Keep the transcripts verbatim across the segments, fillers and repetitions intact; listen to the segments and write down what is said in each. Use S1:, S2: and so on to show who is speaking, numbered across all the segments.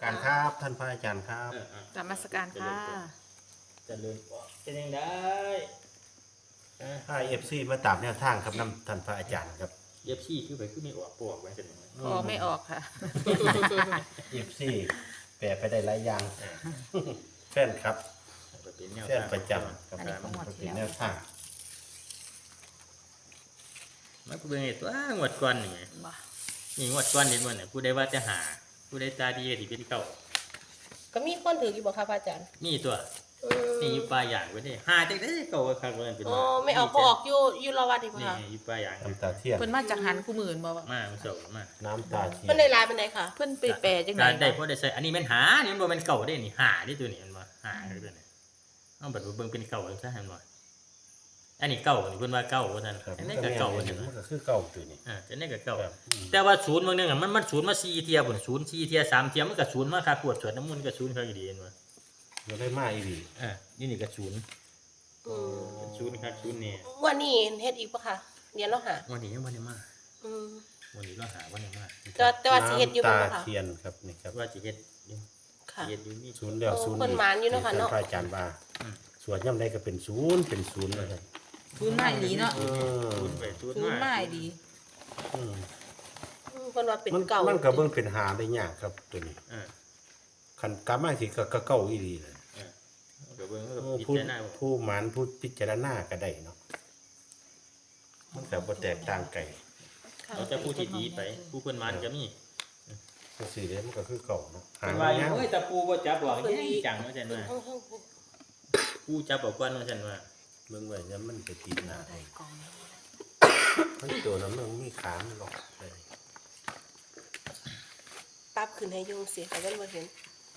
S1: การครับท่านพระอาจารย์ครับ
S2: นมัสการค่ะ
S3: จะเลื่อนเป็นยังได้
S1: ถ้าเอฟซีมาตามแนวทางครับน้ำท่านพระอาจารย์ครับ
S3: เย็บชี้ขึ้นไปขึ้นไม่ออกปวกไว้เป็นยังไง
S2: ออกไม่ออกค่ะ
S1: เอฟซีแปลไปได้หลายอย่างแฟนครับ
S3: เป็นแนว
S1: แฟนประจำครับ
S2: อันนี้ของงวดที่
S1: เป็น
S2: แล้ว
S1: แนวทาง
S3: มันก็เป็นไงตัวงวดก่อนนี่ไง
S2: บ่
S3: นี่งวดก่อนนี่มันเนี่ยผู้ใดว่าจะหาผู้ใดตาดีก็ที่เป็นเก่า
S4: ก็มีคนถืออยู่บ่คะพระอาจารย์
S3: นี่ตัว
S4: อืม
S3: นี่อยู่ปลายอย่างไว้นี่หาจากได้เก่าก็คักเลยเป็น
S4: อ๋อไม่เอาพอออกอยู่อยู่รอวัดดีกว่า
S3: นี่
S4: ค่ะ
S3: อยู่ปลายอย่าง
S1: น้ำตาเทียน
S2: เพิ่นมาจากหันคู่หมื่นบ่วะ
S3: มาเสามา
S1: น้ำตาเทีย
S4: เพิ่น
S1: น
S4: ได้ลายเป็นไดค่ะ
S2: เพิ่นไปแปลจังได
S3: การได้
S2: วะ
S3: เพราะได้ใส่อันนี้มันหานี่มันบ่เป็นเก่าได้นี่หาได้ตัวนี้มันบ่หาได้ตัวนี้เอาบัดเบิ่งเป็นเก่าซะหั่นบ่อันนี้เก่านี่เพิ่นว่าเก่าว่าซั่น
S1: ครับ
S3: อัน
S1: มั
S3: นี้
S1: นก็
S3: ก็
S1: แม่
S3: เก่าน ว่า
S1: เห็
S3: ซั่
S1: น
S3: น
S1: มันก็คือเก่าตัวนี้
S3: อ่าอันนี้ก็เก่า
S1: ครับอืม
S3: แต่ว่าศูนย์บางนึงอ่ะมันมันศูนย์มาสี่เทียพุ่นศูนย์สี่เทียสามเทียมันก็ศูนย์มาค่าขวดสวดน้ำมันต์ก็ศูนย์ค่ากี่ดีเห็นบ่
S1: เราได้มาอีหลี
S3: อ่านี่นี่ก็ศูนย์
S4: อืม
S3: ศูนย์ค่าศูนย์นี่
S4: วันนี้เฮ็ดอีกปะค่ะเรียนแล้วหา
S3: วันนี้ยังบ่ได้มา
S4: อืม
S3: วันนี้เราหาวันนี้มา
S4: แต่แต่ว่าสิเฮ็ดอยู่
S1: น้ำ
S4: บ่
S1: ตา
S4: ค่ะ
S1: เทียนครับนี่ครับ
S3: ว่าสิเฮ็ดอยู่
S4: ค่ะ
S3: เฮ็ดอยู่มี
S1: ศูนย์แล้วศูนย์
S4: เพิ่นหมานอยู่เนาะค่ะเนาะ
S1: ท่พระอาจารย์ว่าสวดย่ำใดก็เป็นศูนย์เป็นศูนย์เลยครับ
S2: ศูนย์มาอีหลีเนาะ
S1: เออ
S3: ศูนย์ไปศูนย์
S2: ศูนย์
S3: มา
S2: มาอีหลี
S1: อืม
S4: อืมเพิ่นว่าเป็น
S1: มัน
S4: เก่า
S1: มันก็เบิ่งเป็นหาได้ยากครับตัวนี้
S3: อ่า
S1: คันกลับมาสิก็ก็เก่าอีหลีเลย
S3: อ่าก็เบิ่งก็
S1: โอ้
S3: พิ
S1: ผู้
S3: จารณาว่า
S1: ผู้หมานผู้พิจารณาก็ได้เนาะมันก็บ่แตกต่างไกล
S4: ค่ะ
S3: เราจะผู้ที่ดีไปผู้เพิ่นมานก็มี
S1: ก็สิเด้มันก็คือเก่าเนาะหา
S3: เพิ่น
S1: ง
S3: ว่าอยู่
S1: ยาว
S3: เอ้ยตะปูบ่จับหรอกแย่จังว่าซั่นว่า
S4: เพิ่งเพิ่ง
S3: ปูจับเอาก่อนว่าซั่นว่า
S1: เบิ่งไว้แล้วมันไปติดหน้า
S2: ได้กอง
S1: มันตัวนั้นมันมีขามันหรอกเลย
S4: ปรับขึ้นให้ยุงสิค่ะเพิ่นบ่เห็น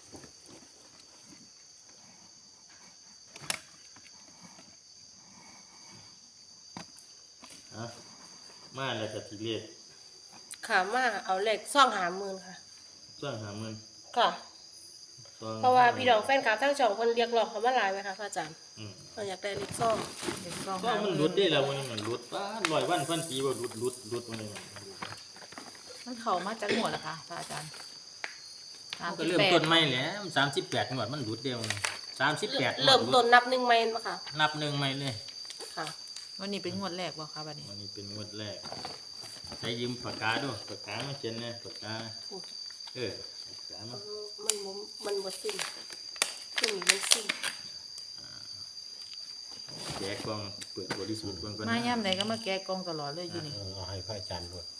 S3: อ่ะมาแล้วก็สิเรียก
S4: ค่ะมาเอาเลขซ่องหาหมื่นค่ะ
S3: ช่วงหาเงิน
S4: ค่ะ
S3: ช่วง
S4: เพราะว่าพี่น้องแฟนคลับทั้งช่องเพิ่นเรียกร้องเขามาหลายไหมคะพระอาจารย์
S3: อืม
S4: เพิ่นอยากได้เลขซ่อง
S2: เด็กกอง
S3: ว่ามันหลุดได้แล้ววันนี้มันหลุดป้าลอยวันพันปีว่าหลุดหลุดหลุดวันนี้
S2: มันเข้ามาจากหัวแล้วค่ะพระอาจารย์
S3: มันก็เริ่มต้นใหม่แหล้วสามสิบแปดงวดมันหลุดเดียวสามสิบแปด
S4: เริ่มต้นนับหนึ่งใหม่บ่ค่ะ
S3: นับหนึ่งใหม่เลย
S4: ค่ะ
S2: วันนี้เป็นงวดแรกบ่คะบัดนี้
S3: วันนี้เป็นงวดแรกใช้ยืมปากกาด้วยปากกามาเขียนนะปากกาเออปากกามา
S4: มันบ่มันบ่สิ้นช่วงนี้มันสิ้น
S3: แจกกล่องเปิดบริสุทธิ์กล่องก่อน
S2: มา
S3: นะ
S2: ย่ำใดก็มาแกะกองตลอดเลยอยู่นี่
S1: เออเอาให้พระอาจารย์ด้วย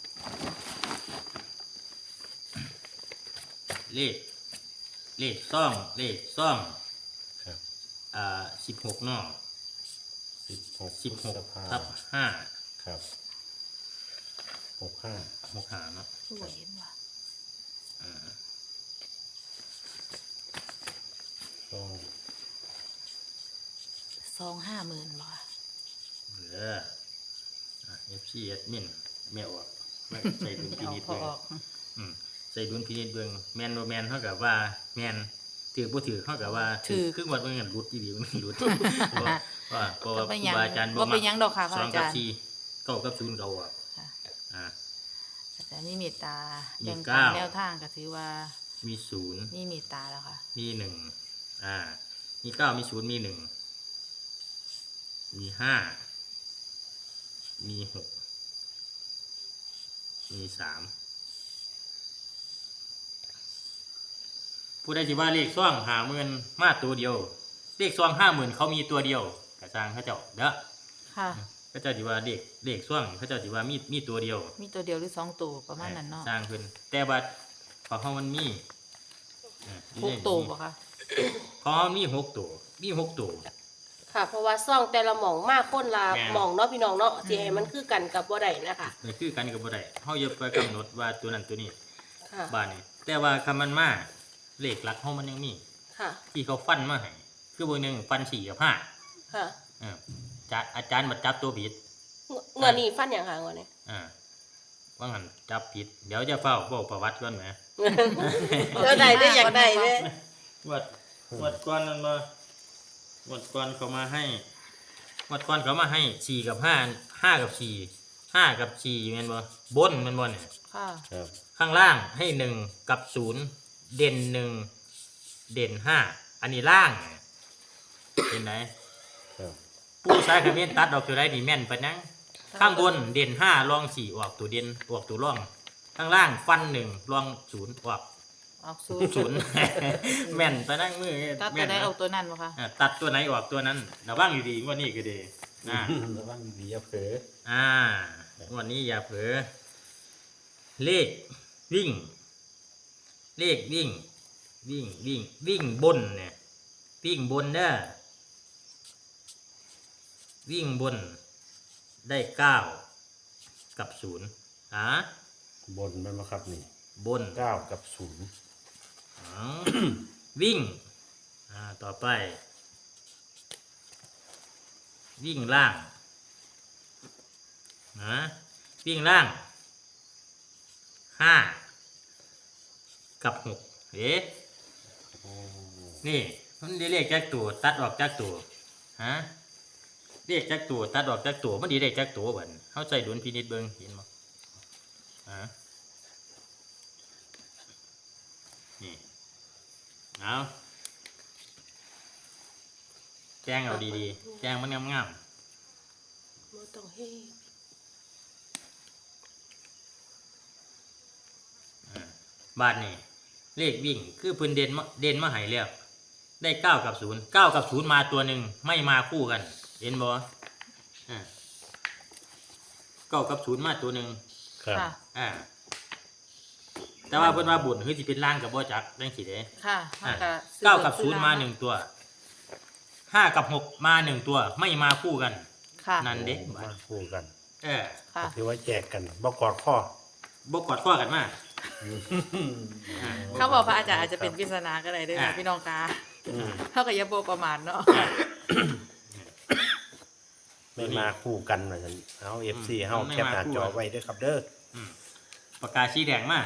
S3: เลขเลขซ่องเลขซ่อง
S1: ครับ
S3: อ่าสิบหกนอก
S1: สิบหก
S3: สิบหก
S1: พฤษภา
S3: ทับห้า
S1: ครับหกห้า
S3: หกหาเนาะ
S2: สวยเห็นว่ะ
S3: อ่า
S1: สอง
S2: ซองห้าหมื่นบ่คะ
S3: เหลือเอฟซีเอดมินแม่ออกไม่ใส่ดุลพิ
S2: เอา
S3: นิจ
S2: พอ
S3: เบิ่ง
S2: ออก
S3: อืมใส่ดุลพินิจเบิ่งแมนโนแมนเท่ากับว่าแมนถือบ่ถือเท่ากับว่าถือครึ่งวันเบิ่งกันรุดอีหลีมันรุดเพราะว่าเพราะว่า
S2: ก็
S3: ค
S2: ไป
S3: รู
S2: ยัง
S3: บาอาจารย์บ่
S2: บ่
S3: มา
S2: ไปยังดอกค่ะพ
S3: ส
S2: ระ
S3: อง
S2: อา
S3: กับ
S2: จารย์
S3: สี่เก้ากับศูนย์เก้าอ่ะ
S2: ค่ะ
S3: อ่า
S2: อาจารย์มีเมตตา
S3: มี
S2: แบ่ง
S3: เก้า
S2: ปันแนวทางก็ถือว่า
S3: มีศูนย์
S2: มีเมตตาแล้วค่ะ
S3: มีหนึ่งอ่า มีเก้ามีศูนย์มีหนึ่งมีห้ามีหกมีสามผู้ใดที่ว่าเลขซ่องหาหมื่นมาตัวเดียว เลขซ่องห้าหมื่นเขามีตัวเดียวกระจางเขาเจ้าเด้อ
S2: ค่ะ
S3: เขาเจ้าที่ว่าเลขเลขซ่องเขาเจ้าที่ว่ามีมีตัวเดียว
S2: มีตัวเดียวหรือสองตัวประมาณนั้นเนาะ
S3: สร้างขึ้นแต่ว่าพอเขามันมีเอ่อ
S2: หกตัวบ่คะ
S3: พอมันมีหกตัวมีหกตัว
S4: ค่ะ เพราะว่าซ่องแต่ละหม่องมากคนละ
S3: แม่น
S4: หม่องเนาะพี่น้องเนาะสิให้มันคือกันกับบ่ได้นะคะ
S3: นี่คือกันกับบ่ได้เฮาอย่าไปกำหนดว่าตัวนั้นตัวนี้
S4: ค่ะ
S3: บ้านนี้แต่ว่าคำมันมาเลขหลักเฮามันยังมี
S4: ค่ะ
S3: ที่เขาฟันมาให้คือเบอร์หนึ่งฟันสี่กับห้า
S4: ค่ะ
S3: เออจะอาจารย์มาจับตัวผิด
S4: เงินนี้ฟันอย่างค่ะเงินนี้
S3: อ่าว่างั้นจับผิด เดี๋ยวจะเฝ้าบอกประวัติก่อนแหม
S4: เดี๋ยวได้ได้อยากได้เด้
S3: วัดวัดก่อนนั่นมาวัดก่อนเขามาให้วัดก่อนเขามาให้สี่กับห้าห้ากับสี่ห้ากับสี่แม่นบ่บนแม่นบ่เนี่ย
S2: ค่ะ
S1: ครับ
S3: ข้างล่างให้หนึ่งกับศูนย์เด่นหนึ่งเด่นห้าอันนี้ล่างเห็นไหม
S1: ครับ
S3: ผู้ใช้คำเมนตัดออกตัวได้ดีแม่นปะนังข้างบนเด่นห้ารองสี่ออกตัวเด่นออกตัวร่องข้างล่างฟันหนึ่งรองศูนย์ออก
S2: ออกศูนย์
S3: ศูนย์ แม่นปะนังมือ
S2: ตัด
S3: แม่
S2: ตัวน ไหน
S3: นะ
S2: ออกตัวนั้นบ่คะ
S3: อ่าตัดตัวไหนออกตัวนั้นระวังอยู่ดีงว่านี่ก็ดีอ่า
S1: ระวังดีอย่าเผลอ
S3: อ่าวันนี้อย่าเผลอเลขวิ่ง เลขวิ่ง วิ่งวิ่งวิ่งบนเนี่ยวิ่งบนเด้อวิ่งบนได้เก้ากับศูนย์อ่า
S1: บนมันมาครับนี่
S3: บน
S1: เก้ากับศูนย์
S3: อ๋อ วิ่งอ่าต่อไป วิ่งล่างนะวิ่งล่างห้ากับหกเอ๊ะ
S1: โอ้
S3: นี่มันได้เลขจากตัวตัดออกจากตัวฮะเลขจากตัวตัดออกจากตัวมันดีเลขจากตัวบัดเข้าใจดุลพินิจเบิ่งเห็นบ่ฮะนี่เอาแจ้งเอาดีๆแจ้งมันงาม
S4: บ่ต้องเฮ็ด
S3: ๆอ่าบาทนี่เลขวิ่งคือเพิ่นเด่นมาเด่นมาให้แล้วได้เก้ากับศูนย์เก้ากับศูนย์มาตัวหนึ่งไม่มาคู่กัน เห็นบ่อ่าเก้ากับศูนย์มาตัวหนึ่ง
S1: ครับ
S2: ค่ะ
S3: อ่าแต่ว่าเพิ่นว่าบุญคือสิเป็นล่างกับบ่จักจังซี่เด้
S2: ค่ะ
S3: อ่า
S2: มันก็ซื้อ
S3: เก้ากับ
S2: ซื้
S3: ศู
S2: อน
S3: ย์มาหนึ่งตัวห้ากับหกมาหนึ่งตัว ไม่มาคู่กัน
S2: ค่ะ
S3: นั่นเด้
S1: โอ้มาคู่กัน
S3: เออ
S2: ค่ะ
S1: ถือว่าแยกกันบ่กอดข้อ
S3: บ่กอดข้อกันมาอ่า
S2: เขาบอกพระอาจารย์อาจจะเป็นปริศนาก็ได้เด้วย
S3: อ่า
S2: พี่น้องกา
S1: อืม
S2: เท่ากับยาโบประมาทเนาะ
S1: ไม่มาคู่กันว่าซั่นเอา เอฟ ซี เฮาแคปหน้าจอไว้เด้อครับเด้อ
S3: อืมปากกาสีแดงมา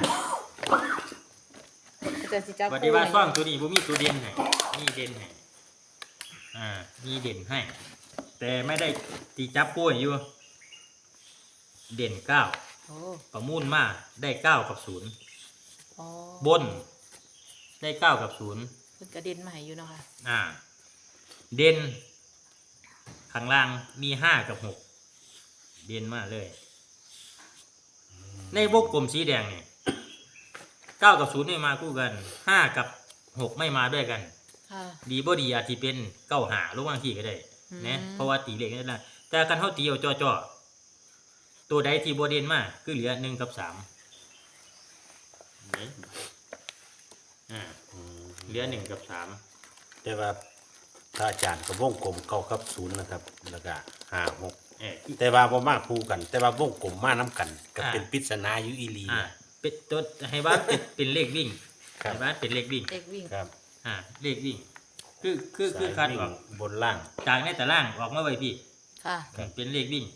S2: อาจารย์สิจับ
S3: ปฏิว่าซ่องตัวนี้บ่มีตัวเด่นให้นี่เด่นให้อ่ามีเด่นให้ แต่ไม่ได้ตีจับคู่ให้อยู่ เด่นเก้า
S2: โอ้
S3: ประมูลมาได้เก้ากับศูนย์
S2: อ๋อ
S3: บน ได้เก้ากับศูนย์
S2: เพิ่นกระเด็นมาให้อยู่เนาะค่ะ
S3: อ่า เด่นข้างล่างมีห้ากับหกเด่นมากเลย ในวงกลมสีแดงเนี่ยเก้ากับศูนย์ไม่มาคู่กันห้ากับหกไม่มาด้วยกัน
S2: ค่ะ
S3: ดีบ่ดีอาจจะเป็นเก้าหาหรือบางทีก็ได้
S2: อืม
S3: นะเพราะว่าตีเลขนั่นแหละแต่การเขาตีเอาจ่อๆตัวใดที่บ่เด่นมากคือเหลือหนึ่งกับสามนี่อ่า
S1: อืม
S3: เหลือหนึ่งกับสาม
S1: แต่ว่าพระอาจารย์ก็วงกลมเก้ากับศูนย์นะครับ แล้วก็ห้าหก
S3: เออ
S1: แต่ว่าบ่มาคู่กัน แต่ว่าวงกลมมาน้กันก็เป็นปริศนาอยู่อีหลี
S3: อ่าเป็นตัวให้บ้านเป็นเป็นเลขวิ่ง
S1: ครับ
S3: ให้บ้านเป็นเลขวิ่ง
S2: เด็กวิ่ง
S1: ครับ
S3: อ่าเลขวิ่ง คือคือคือ
S1: สาย
S3: คัด
S1: วิ่ง
S3: ออก
S1: บนล่าง
S3: จากในแต่ล่างออกมาไว้พี่
S2: ค่ะ
S1: ครับ
S3: เป็นเลขวิ่ง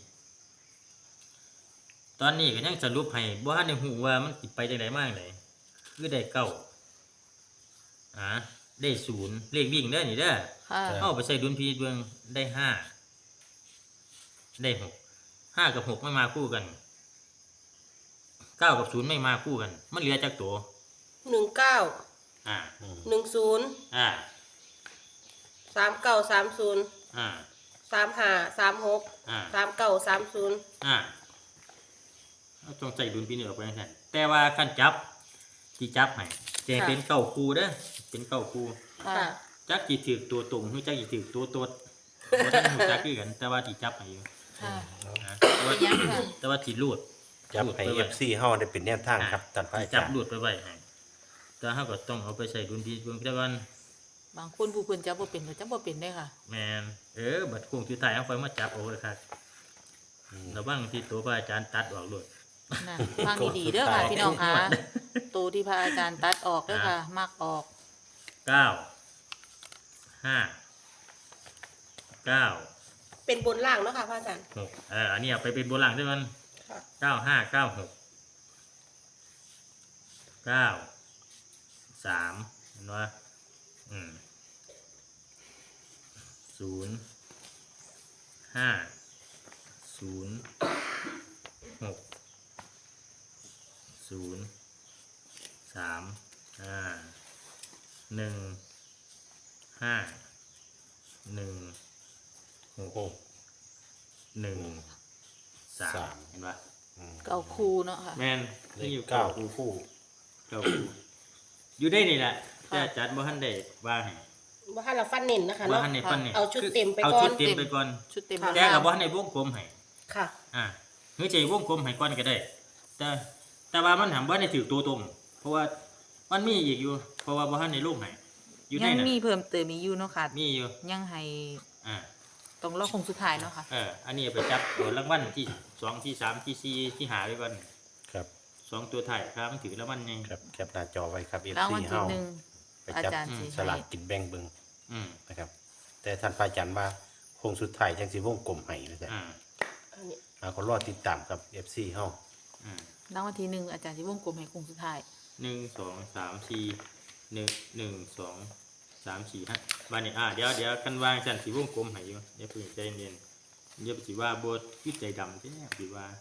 S3: ตอนนี้ก็ยังสรุปให้บ่ทันได้ฮู้ว่ามันสิไปจังไดมาจังไดคือได้เก้าอ่าได้ศูนย์เลขวิ่งเด้อนี่เด้อ
S2: ค่ะ
S3: เอาไปใส่ดุลพินิจเบิ่งได้ห้าได้หกห้ากับหกไม่มาคู่กันเก้ากับศูนย์ไม่มาคู่กัน มันเหลือจากตัว
S4: หนึ่งเก้า
S3: อ่า
S1: อืม
S4: หนึ่งศูนย์
S3: อ่า
S4: สามเก้าสามศูนย์
S3: อ่า
S4: สามห้าสามหก
S3: อ่า
S4: สามเก้าสามศูนย์
S3: อ่าเอาต้องใส่ดุลพินิจออกไปนั่นแต่ว่าขั้นจับที่จับให้แจงเป็นเก้าคู่เด้อเป็นเก้าคู่
S2: ค่ะ
S4: ค่ะ
S3: จักจีถือตัวตรงหรือจักจีถือตัวตดบ่ทันรู้จักคือกัน แต่ว่าที่จับให้อยู่
S2: ค่ะ
S3: นะแต่ว่า
S2: เป็นยังค่ะ
S3: แต่ว่าที่รูด
S1: จับ
S3: รูด
S1: ให้
S3: ไป
S1: เอ
S3: ไว้
S1: ฟซีเฮาได้เป็นแนวทางครับท่านพระอา
S3: จั
S1: จา
S3: บ
S1: รย์
S3: รูดไปไว้ให้แต่เฮาก็ต้องเอาไปใส่ดุลพินิจเบิ่งแต่ว่า
S2: บางคนผู้เพิ่นจับบ่เป็นก็จับบ่เป็นได้อค่ะ
S3: แม่นเออบัดโค้งสุดท้ายเอาไฟมาจับเอาเลยครับ
S1: อืม
S3: ระวังที่ตัวพระอาจารย์ตัดออกโลด
S2: นั่นฟังดีๆเด้อค่ะพี่น้องค่ะตัวที่พระอาจารย์ตัดออกเด้อค่ะ มักออก
S3: เก้าห้าเก้า
S4: เป็นบนล่างเนาะค่ะพระอาจารย์
S3: หกเอออันนี้เอาไปเป็นโบราณด้วยมัน
S4: ค่ะ
S3: เก้าห้าเก้าหกเก้าสามเห็นว่าอืมศูนย์ห้าศูนย์หกศูนย์สามอ่าหนึ่งห้าหนึ่งห
S1: โอ้
S3: กหนึ่งสา
S1: สาม ม
S3: เห็นปะ
S1: อืม
S2: เก้าคู่เนาะค่ะ
S3: แมน
S1: เล
S3: นี่
S1: ข
S3: อยู่
S1: เก้า
S3: เก้า
S1: คู่คู่
S3: เก้าคู่อยู่ได้นี่แหละ
S2: ค่ะ
S3: แต่อาจารย์บ่ทันได้ว่าให้
S4: บ่ให้เราฟันเน้นนะคะ
S3: บ่
S4: เนาะ
S3: ทันได้ฟันนี่
S4: เอาชุดเต็มไป
S3: เอา
S4: ก่อ
S3: ชุ
S4: น
S3: ดเต็มไปก่อน
S2: ชุดเต็ม
S3: แต่ก็บ่ทันได้วงกลมให้
S4: ค่ะ
S3: อ่าเฮ้ยใจวงกลมให้ก่อนก็ได้ แต่แต่ว่ามันถามว่าในถือตัวตรง เพราะว่ามันมีอีกอยู่ เพราะว่าบ่ทันในรูปให้อยู่ใน
S2: ยัง
S3: นั้น
S2: มีเพิ่มเติมมีอยู่เนาะค่ะ
S3: มีอยู่
S2: ยังให้
S3: อ่า
S2: ต้องรอคงสุดท้ายเนาะค่ะ
S3: เอออันนี้ไปจับตัวรางวัลที่สองที่สามที่สี่ที่หาไว้ก่อน
S1: ครับ
S3: สองตัวถ่ายครับมันถือรางวัลไง
S1: ครับแคปหน้าจอไว้ครับ
S2: รางวัล
S1: เอฟซี
S2: ที่
S1: เฮา
S2: หนึ่ง
S1: ไป
S2: อา
S1: จับ
S2: จารย์สิ
S1: ส
S2: ให้
S1: ลากกินแบ่งเบิ่ง
S3: อืม
S1: นะครับ แต่ท่านพระอาจารย์ว่าคงสุดท้ายจังสิวงกลมให้นะจ๊ะ
S3: อ่า
S4: อันนี้
S1: เอาก็รอติดตามกับ เอฟ ซี เฮา
S3: อ่าร
S2: างวัลที่หนึ่งอาจารย์ที่วงกลมให้คงสุดท้าย
S3: หนึ่งสองสามสี่หนึ่งหนึ่งสองสามสี่ห้าบ้านนี้อ่าเดี๋ยวเดี๋ยวกันวางจันสีวงกลมให้อยู่เดี๋ยวเพิ่งใจเย็นเดี๋ยวสิว่าบทวิจัยดำใช่ไหมสิว่า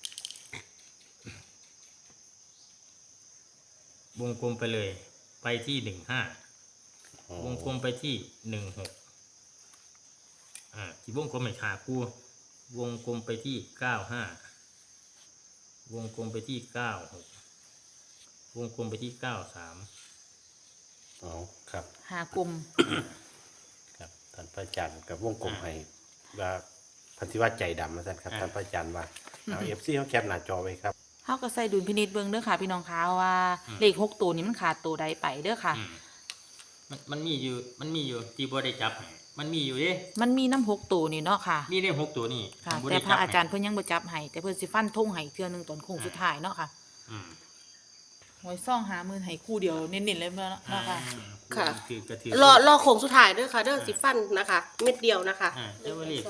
S3: วงกลมไปเลย ไปที่หนึ่งห้า
S1: อ๋อ
S3: วงกลมไปที่หนึ่งหกอ่าที่วงกลมไม่ขาคู่วงกลมไปที่เก้าห้าวงกลมไปที่เก้าหกวงกลมไปที่เก้าสาม
S1: อ๋อครับ
S2: หากลุ่ม
S1: ครับท่านพระอาจารย์กับวงกลมให้ว่าพันธิวัตใจดำนะท่านครับท่านพระอาจารย์ว่าเอา เอฟ ซี เฮาแคปหน้าจอไว้ครับ
S2: เฮาก็ใส่ดุลพินิจเบิ่งเด้อค่ะ พี่น้องคะว่าเลขหกตัวนี้มันขาดตัวใดไปเด้อค่ะ
S3: อืมมันมันมีอยู่มันมีอยู่ที่บ่ได้จับให้มันมีอยู่เด้
S2: มันมีน้ำหกตัวนี่เนาะค่ะ
S3: มีได้หกตัวนี่
S2: ค่ะ
S3: บ่
S2: แต่
S3: ได้
S2: พระ
S3: บให้
S2: อาจารย์เพิ่นยังบ่จับให้แต่เพิ่นสิฟันธงให้เทื่อหนึงตอนโค้งสุดท้ายเนาะค่ะ
S3: อืม
S2: หวยซ่องหามือให้คู่เดียวเน้นๆเลยเนาะ
S3: อ่า
S2: ค่ะ
S4: ค่ะ
S3: คือกระถือ
S4: รอรอโค้งสุดท้ายเด้อค่ะเด้อสิฟันนะคะ เม็ดเดียวนะคะ
S3: อ่าเจ้าว่ารีบ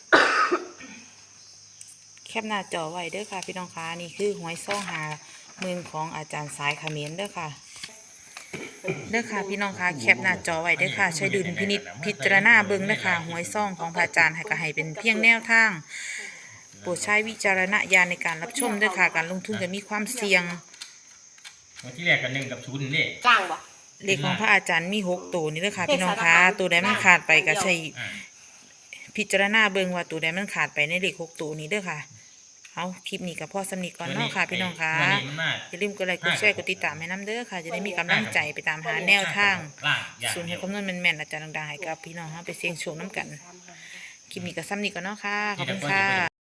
S2: แคปหน้าจอไว้เด้อค่ะ พี่น้องคะนี่คือหวยซ่องหามือของอาจารย์สายเขมรเด้อค่ะเด้อค่ะพี่น้องคะแคปหน้าจอไว้เด้อค่ะใช้ดุลพินิจพิจารณาเบิ่งเด้อค่ะหวยซ่องของพระอาจารย์ให้ก็ให้เป็นเพียงแนวทางโปรดใช้วิจารณญาณในการรับชมเด้อค่ะการลงทุนจะมีความเสี่ยง
S3: วันที่แรกกันหนึ่งกับศูนย์นี่
S4: กลางบ่
S2: เลขของพระอาจารย์มีหกตัวนี่เด้อค่ะพี่น้องคะตัวใดมันขาดไปก็ใช้
S3: อ่า
S2: พิจารณาเบิ่งว่าตัวใดมันขาดไปในเลขหกตัวนี้เด้อค่ะเอาคลิปนี้กับพ่อสำนีก่อนเนาะค่ะพี่น้องคะ
S3: วันนี้มันมาก
S2: อย่าลืมกดไลค์กดแชร์กดติดตามให้น้ำเด้อค่ะ จะได้มีกำลังใจไปตามหาแนวทาง
S3: ล่างอย่าง
S2: ส่วน
S3: เดี
S2: ให้
S3: ยว
S2: คำนวณแม่นๆอาจารย์ดังๆให้กับพี่น้องเฮาไปเสี่ยงโชคน้ำกัน คลิปนี้ก็ซ้ำนี้ก่อนเนาะค่ะ ขอบคุณค่ะ